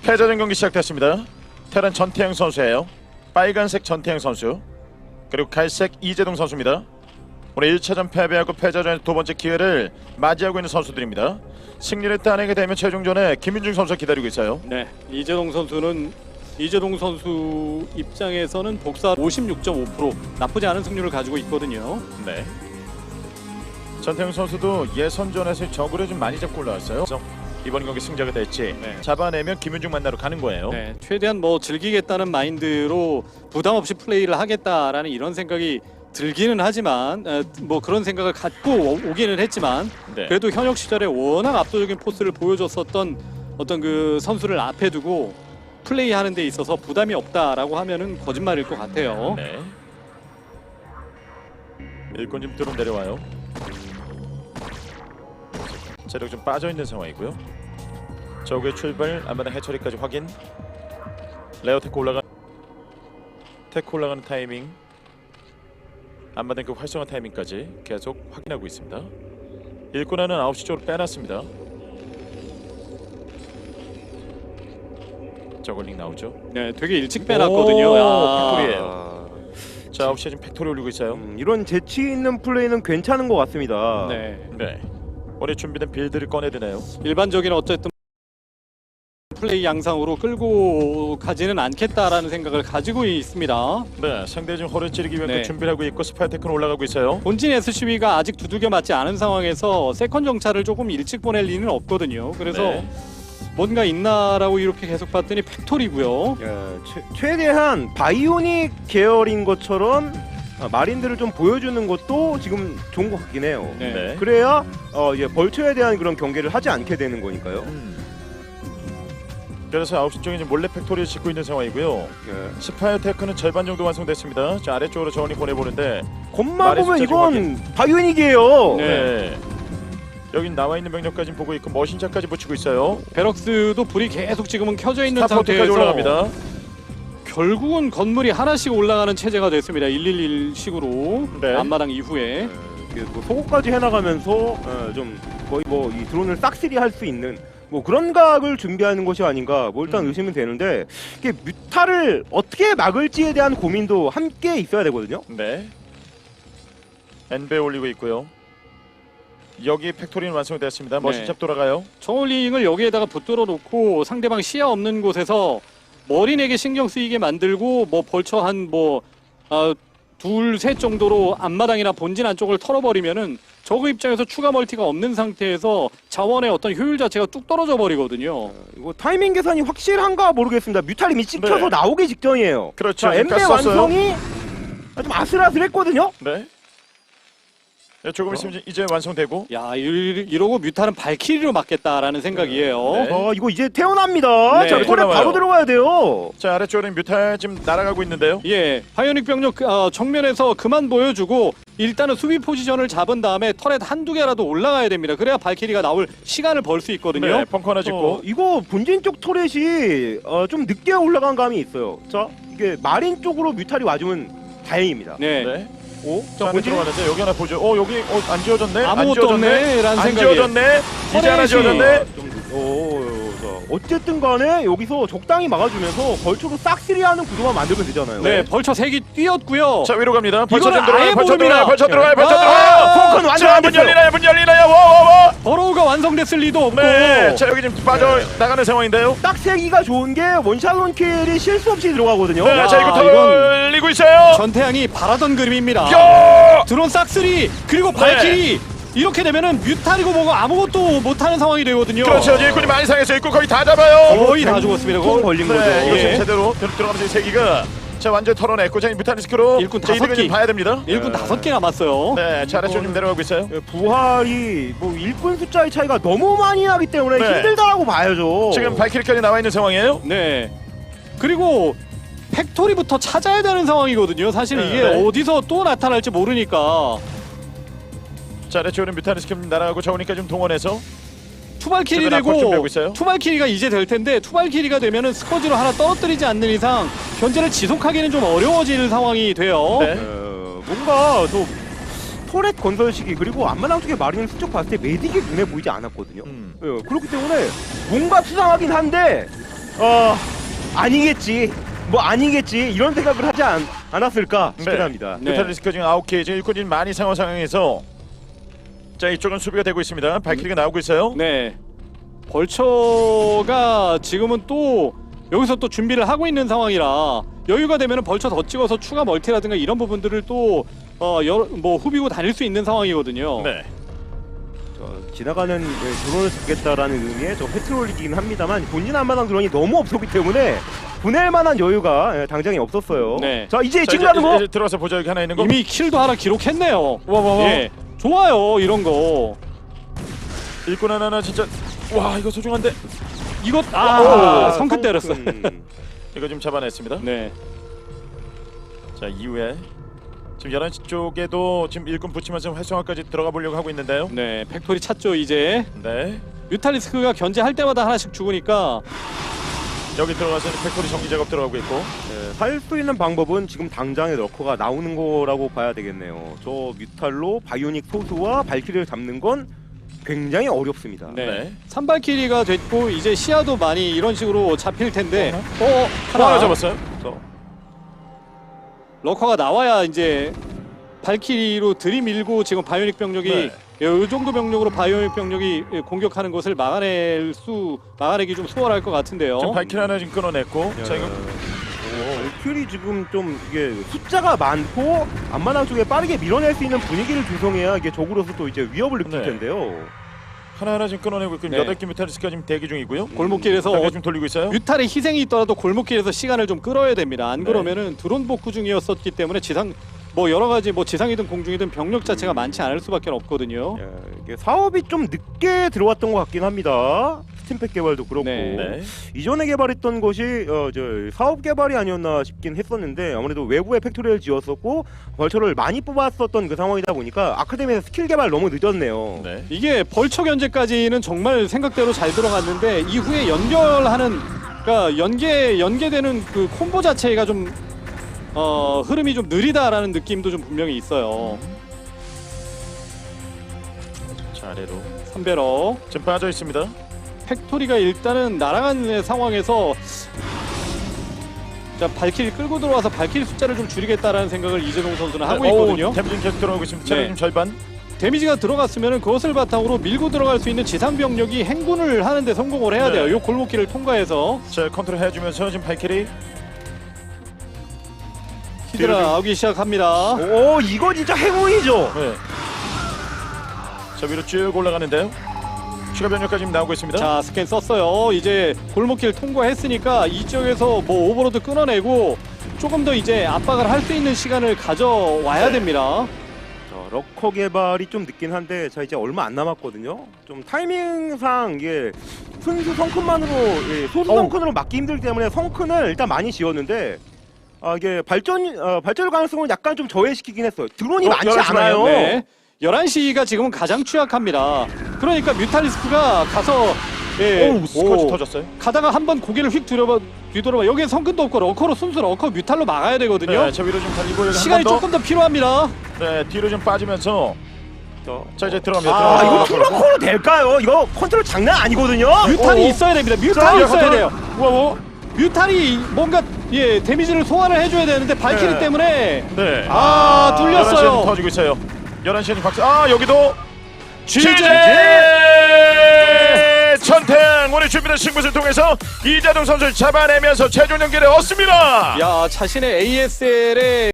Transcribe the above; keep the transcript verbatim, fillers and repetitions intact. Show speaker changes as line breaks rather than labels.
패자전 경기 시작됐습니다. 테란 전태양 선수예요. 빨간색 전태양 선수, 그리고 갈색 이재동 선수입니다. 오늘 일 차전 패배하고 패자전의 두 번째 기회를 맞이하고 있는 선수들입니다. 승리를 따내게 되면 최종전에 김윤중 선수가 기다리고 있어요.
네, 이재동 선수는 이재동 선수 입장에서는 복사 오십육 점 오 퍼센트 나쁘지 않은 승률을 가지고 있거든요.
네. 전태양 선수도 예선전에서 적으로 좀 많이 잡고 올라왔어요. 그래서 이번 경기 승자가 될지
네.
잡아내면 김윤중 만나러 가는 거예요.
네, 최대한 뭐 즐기겠다는 마인드로 부담 없이 플레이를 하겠다라는 이런 생각이 들기는 하지만 에, 뭐 그런 생각을 갖고 오, 오기는 했지만
네.
그래도 현역 시절에 워낙 압도적인 포스를 보여줬었던 어떤 그 선수를 앞에 두고 플레이하는 데 있어서 부담이 없다라고 하면은 거짓말일 것 같아요.
네. 일꾼 좀 뚫어 내려와요. 체력 좀 빠져있는 상황이고요. 적의 출발, 안마당 해처리까지 확인. 레어 테크 올라가 테크 올라가는 타이밍, 안마당 그 활성화 타이밍까지 계속 확인하고 있습니다. 일꾼하는 아홉 시 쪽으로 빼놨습니다. 저글링 나오죠.
네, 되게 일찍 빼놨거든요. 야.
팩토리예요. 자, 아홉 시에 지금 팩토리 올리고 있어요.
음, 이런 재치 있는 플레이는 괜찮은 것 같습니다.
네.
네. 오늘 준비된 빌드를 꺼내드네요.
일반적인 어쨌든 플레이 양상으로 끌고 가지는 않겠다라는 생각을 가지고 있습니다.
네, 상대 지금 허를 찌르기 위해
네.
준비를 하고 있고 스파이테크는 올라가고 있어요.
본진 에스씨비가 아직 두들겨 맞지 않은 상황에서 세컨 정찰을 조금 일찍 보낼 리는 없거든요. 그래서
네.
뭔가 있나라고 이렇게 계속 봤더니 팩토리고요.
예, 최, 최대한 바이오닉 계열인 것처럼 아, 마린들을 좀 보여주는 것도 지금 좋은 것 같긴 해요.
네.
네.
그래야 어, 이제 벌처에 대한 그런 경계를 하지 않게 되는 거니까요.
음. 그래서 아홉 시 쪽에 이제 몰래 팩토리를 짓고 있는 상황이고요.
예.
스파이테크는 절반 정도 완성됐습니다. 자, 아래쪽으로 저원이 보내보는데
겉만
말의
보면
숫자
이건 바이오닉이에요.
네.
네. 여긴 나와 있는 병력까지 보고 있고 머신차까지 붙이고 있어요.
베럭스도 불이 계속 지금은 켜져 있는
스타포트까지
상태에서
올라갑니다.
결국은 건물이 하나씩 올라가는 체제가 됐습니다. 일일일 식으로
네.
앞마당 이후에.
예, 뭐 소고까지 해나가면서 예, 좀 거의 뭐 이 드론을 싹쓸이 할 수 있는 뭐 그런 각을 준비하는 것이 아닌가 뭐 일단
음.
의심은 되는데 이게 뮤타를 어떻게 막을지에 대한 고민도 함께 있어야 되거든요.
네. 엔베 올리고 있고요. 여기 팩토리는 완성됐습니다. 머신샵 돌아가요.
저울링을 여기에다가 붙들어 놓고 상대방 시야 없는 곳에서 머리내게 신경 쓰이게 만들고 뭐 벌처 한뭐 어, 둘, 셋 정도로 앞마당이나 본진 안쪽을 털어버리면은 저그 입장에서 추가 멀티가 없는 상태에서 자원의 어떤 효율 자체가 뚝 떨어져 버리거든요.
이거 타이밍 계산이 확실한가 모르겠습니다. 뮤탈이 찍혀서
네.
나오기 직전이에요.
그렇죠.
자, 엠베
뺐었어요.
완성이 좀 아슬아슬했거든요.
네. 네, 조금 있으면 이제 완성되고.
야, 이- 이러고 뮤타는 발키리로 맞겠다라는 생각이에요.
네.
어, 이거 이제 태어납니다.
네.
자, 털에
태어나와요.
바로 들어가야 돼요.
자, 아래쪽에는 뮤탈 지금 날아가고 있는데요.
예, 바이오닉 병력 어, 정면에서 그만 보여주고 일단은 수비 포지션을 잡은 다음에 터렛 한두 개라도 올라가야 됩니다. 그래야 발키리가 나올 시간을 벌 수 있거든요.
네, 펑크 하나 짓고.
어, 이거 본진 쪽 터렛이 어, 좀 늦게 올라간 감이 있어요. 자, 이게 마린 쪽으로 뮤탈이 와주면 다행입니다.
네.
네.
오,
자, 안에 들어가는데 여기 하나 보죠. 어, 여기 어, 안 지워졌네. 안
아무것도
지워졌네.
없네, 라는
안
생각이에요.
지워졌네. 이제 하나
터렛이-
지워졌네.
좀, 늦- 오, 오, 자, 어쨌든 간에 여기서 적당히 막아주면서 벌초로 싹쓸이하는 구도만 만들면 되잖아요.
네, 벌처 색이 뛰었고요.
자, 위로 갑니다. 벌쳐
이거는
좀 들어가요.
아예
벌쳐
모릅니다.
들어가요. 벌쳐 들어가요. 벌쳐
아,
들어가요.
펑크는 완전
자,
안
문
됐어요.
열리나요? 문 열리나요? 와와와.
버로우가 완성됐을 리도 없고.
네. 자, 여기 지금 빠져 나가는 상황인데요.
딱 세기가 좋은 게 원샷 원킬이 실수 없이 들어가거든요.
네, 자, 이거
야,
털리고 있어요.
전태양이 바라던 그림입니다.
야!
드론 싹쓸이 그리고
네.
발키리 이렇게 되면은 뮤탈이고 뭐고 아무것도 못하는 상황이 되거든요.
그렇죠. 일꾼이 많이 상해서 일꾼 거의 다 잡아요.
거의 다 죽었습니다.
통
그거.
걸린
네,
거죠.
이거 지금
예.
제대로 들- 들어가면서 이 세기가 자 완전 털어냈고 자 뮤타니스크로
일꾼
자,
다섯
이득을 좀
개.
봐야 됩니다.
일꾼
네.
다섯 개 남았어요.
네, 자 아래쪽 좀 내려가고 있어요.
예, 부활이 뭐 일꾼 숫자의 차이가 너무 많이 나기 때문에
네.
힘들다라고 봐야죠.
지금 발키리까지 나와 있는 상황이에요.
네. 그리고 팩토리부터 찾아야 되는 상황이거든요. 사실
네.
이게 어디서 또 나타날지 모르니까
자 아래쪽으로 뮤타니스크 날아가고 저우니까 좀 동원해서
투발킬이
지금 앞으로 준비하고
되고
있어요.
투발킬이가 이제 될 텐데 투발킬이가 되면은 스커지로 하나 떨어뜨리지 않는 이상 현재를 지속하기는 좀 어려워지는 상황이 돼요.
네.
어, 뭔가 저 터렛 건설 시기 그리고 앞마당 쪽에 마린을 슬쩍 봤을 때 메딕이 눈에 보이지 않았거든요.
음.
예, 그렇기 때문에 뭔가 수상하긴 한데 어 아니겠지 뭐 아니겠지 이런 생각을 하지 않, 않았을까 싶긴
네.
합니다.
네.
뮤탈리스크 지금 아홉 개 지금 일꾼이 많이 상황 상황에서 자 이쪽은 수비가 되고 있습니다. 발키리가 나오고 있어요.
네. 벌처가 지금은 또 여기서 또 준비를 하고 있는 상황이라 여유가 되면은 벌처 더 찍어서 추가 멀티라든가 이런 부분들을 또 어, 여러, 뭐 후비고 다닐 수 있는 상황이거든요.
네.
저, 지나가는 예, 드론을 잡겠다라는 의미의 저 페트롤이긴 합니다만 본진 안마당 드론이 너무 없었기 때문에 보낼 만한 여유가 예, 당장에 없었어요.
네.
자 이제
자,
지금 하는 거
이제 들어가서 보자. 여기 하나 있는 거.
이미 킬도 하나 기록했네요.
와와와.
예. 좋아요. 이런 거.
일꾼 하나는 진짜 와 이거 소중한데
이거 아,
오,
성큰 때렸어.
성큰.
이거 좀 잡아냈습니다.
네.
자 이후에 지금 열한 시 쪽에도 지금 일꾼 붙이면서 활성화까지 들어가 보려고 하고 있는데요.
네. 팩토리 찾죠, 이제.
네.
뮤탈리스크가 견제할 때마다 하나씩 죽으니까
여기 들어가서 팩토리 정리 작업 들어가고 있고.
네, 할 수 있는 방법은 지금 당장에 러커가 나오는 거라고 봐야 되겠네요. 저 뮤탈로 바이오닉 소수와 발키리를 잡는 건 굉장히 어렵습니다.
네.
네.
삼발키리가 됐고 이제 시야도 많이 이런 식으로 잡힐 텐데 어,
하나
하나
잡았어요.
저,
러커가 나와야 이제 발키리로 들이밀고 지금 바이오닉 병력이
네.
이 정도 병력으로 바이오닉 병력이 공격하는 것을 막아낼 수 막아내기 좀 수월할 것 같은데요.
지금 발키리 하나 지금 끊어냈고. 자 이거
발키리 지금 좀 이게 숫자가 많고 앞마당 쪽에 빠르게 밀어낼 수 있는 분위기를 조성해야 이게 적으로서 또 이제 위협을 느낄
네.
텐데요.
하나하나 지금 끊어내고 있고
네.
여덟 개 뮤탈리스크가 지금 대기 중이고요.
골목길에서
자,
어,
지금 돌리고 있어요.
뮤탈의 희생이 있더라도 골목길에서 시간을 좀 끌어야 됩니다. 안
네.
그러면은 드론 복구 중이었었기 때문에 지상 뭐 여러 가지 뭐 지상이든 공중이든 병력 자체가 많지 않을 수밖에 없거든요.
예, 이게 사업이 좀 늦게 들어왔던 것 같긴 합니다. 스팀팩 개발도 그렇고
네.
네.
이전에 개발했던 것이 어, 저 사업 개발이 아니었나 싶긴 했었는데 아무래도 외부에 팩토리를 지었었고 벌처를 많이 뽑았었던 그 상황이다 보니까 아카데미에서 스킬 개발 너무 늦었네요.
네.
이게 벌처 견제까지는 정말 생각대로 잘 들어갔는데 이후에 연결하는 그러니까 연계 연계되는 그 콤보 자체가 좀 어, 흐름이 좀 느리다라는 느낌도 좀 분명히 있어요.
자 아래로
삼배러
지금 빠져 있습니다.
팩토리가 일단은 날아가는 상황에서 자 발키리 끌고 들어와서 발키리 숫자를 좀 줄이겠다라는 생각을 이재동 선수는 하고 있거든요.
템진 계속 들어가고 있습니다. 체력
네.
좀 절반.
데미지가 들어갔으면 그것을 바탕으로 밀고 들어갈 수 있는 지상 병력이 행군을 하는데 성공을 해야
네.
돼요. 이 골목길을 통과해서
자 컨트롤 해주면서 지금 발키리.
히드라
뒤로 좀-
나오기 시작합니다.
오 이거 진짜 행운이죠.
네. 자 위로 쭉 올라가는데요. 추가 변력까지 지금 나오고 있습니다.
자 스캔 썼어요. 이제 골목길 통과했으니까 이쪽에서 뭐 오버로드 끊어내고 조금 더 이제 압박을 할 수 있는 시간을 가져와야 됩니다.
자, 러커 개발이 좀 늦긴 한데 자 이제 얼마 안 남았거든요. 좀 타이밍상 이게 순수 성큰만으로 예, 소수
어우.
성큰으로 막기 힘들기 때문에 성큰을 일단 많이 지었는데 아 이게 발전 어, 발전 가능성을 약간 좀 저해시키긴 했어요. 드론이
어,
많지
열한 시
않아요.
반이요?
네. 열한 시가 지금은 가장 취약합니다. 그러니까 뮤탈리스크가 가서 예,
오우 스쿼지
오,
터졌어요.
가다가 한번 고개를 휙 뒤돌아봐 뒤돌아봐 여기엔 성근도 없고 러커로 순수 러커 뮤탈로 막아야 되거든요.
네, 저 위로 좀 달리고 여기
시간이
한 번 더.
조금 더 필요합니다.
네, 뒤로 좀 빠지면서
저,
자 이제 들어갑니다.
아,
아 이거
들어갑니다.
투러커로 될까요? 이거 컨트롤 장난 아니거든요.
뮤탈이
오.
있어야 됩니다.
자,
뮤탈이
이거
있어야
컨트롤.
돼요.
우와, 우와.
뮤탈이 뭔가 예 데미지를 소화를 해줘야 되는데 발키리
네.
때문에
네.
아, 뚫렸어요.
열한 시에 터지고 있어요. 열한 시에 박수. 아 여기도
지제!
천탱 오늘 준비된 승부를 통해서 이재동 선수를 잡아내면서 최종 연결에 얻습니다.
야 자신의 에이에스엘의